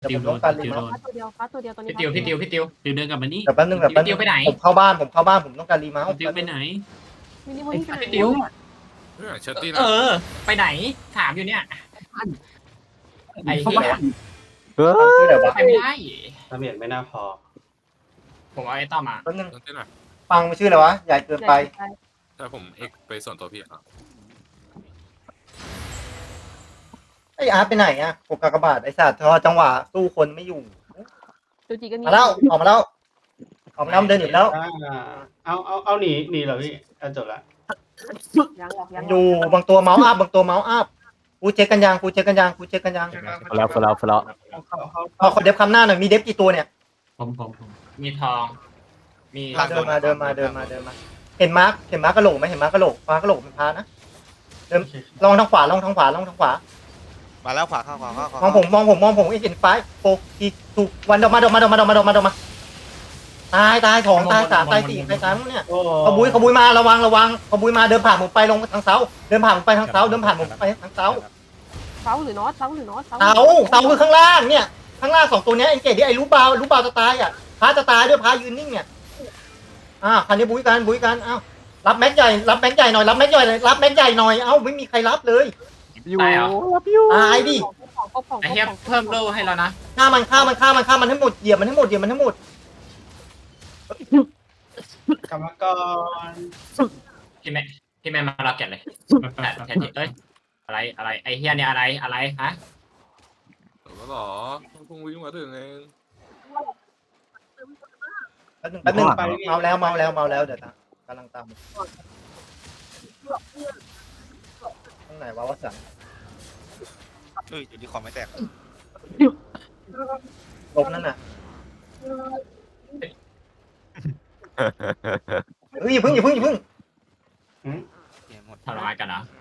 เดี๋ยวติผวมโดต้องนการรีติวเมาโดส์นฟ้าตัวเดียวตอนนี้พี่ติวติวเดินกลับมานี่เดี๋ยวแป๊บนึงเดี๋ยวแป๊บนึติวงไปไหนผมเข้าบ้านผมเข้าบ้านผมต้องการรีเมาส์ติวไปไหนมินิโมนี่ไปไหนติวเชอร์ตี้นะไปไหนถามอยู่เนี่ยไอ้เข้าเหี้บ้าย นชื่ออะไรวะไปไม่ได้ดาเมจไม่น่าพอผมเอาไอ้ต้อมมาแป๊บนึงเชอร์ตี้หน่อยฟังมันชื่ออะไรวะใหญ่เกินไปถ้าผมเอ็กไปส่วนตัวพี่ครับไอ้อาร์ตไปไหนอ่ะปกกากบาทไอ้สัตว์ทอจังหวะสู้คนไม่อยู่จูจีก็มีมาแล้วออกมาแล้วออกมาแล้วมันเดินหนีแล้วเอาหนีเหรอพี่จบละยังอยู่บางตัวเมาส์อัพบางตัวเมาส์อัพกูเช็คกันยังกูเช็คกันยังกูเช็คกันยังฟลอฟลอฟลอเอาขอเดฟคำหน้าหน่อยมีเดฟกี่ตัวเนี่ยผมมีทอง มีเดินมาเดินมาเดินมาเดินมาเห็นมาร์คกระโหลกไหมเห็นมาร์คกระโหลกฟ้ากระโหลกเป็นพานะเดินลองทางขวาลองทางขวาลองทางขวามาแล้วขวาเข้าขวาเข้ามองผมไอ้เห็นไฟโฟกีถูกวันเดมาตายสองตายสามตายสี่ใครตายมั้งเนี่ยโอ้ขบุยมาระวังขบุยมาเดินผ่านผมไปลงทางเสาเดินผ่านผมไปทางเสาเดินผ่านผมไปทางเสาเสาหรือน็อตเสาเสาคือข้างล่างเนี่ยข้างล่างสองตัวเนี้ยเอ็นเกตที่ไอ้ลูกบาจะตายอ่ะพาจะตายด้วยพายืนนิ่งเนี่ยคันนี้บุยกันอ้าวรับแม็กใหญ่หน่อยรับแม็กใหญ่หน่อยเอ้าไม่มีใครรับเลยอยู่ตายเหรอตายดิไอ้เหี้ยเพิ่มโล่ให้เรานะฆ่ามันให้หมดเหยียบมันให้หมดกรรมกรพี่แม่มาเราแกะเลยแทนเอ้ยอะไรไอ้เหี้ยเนี่ยอะไรฮะแล้วหรอเพิ่งวิ่งมาถึงเองแป๊บนึงเมาแล้วเดี๋ยวกำลังตามตรงไหนวะวะสันเฮ้ยอยู่ที่คอมไม่แตกลบนั่นน่ะเฮ้ยอย่าพึ่งเกมหมดทำอะไรกันนะเ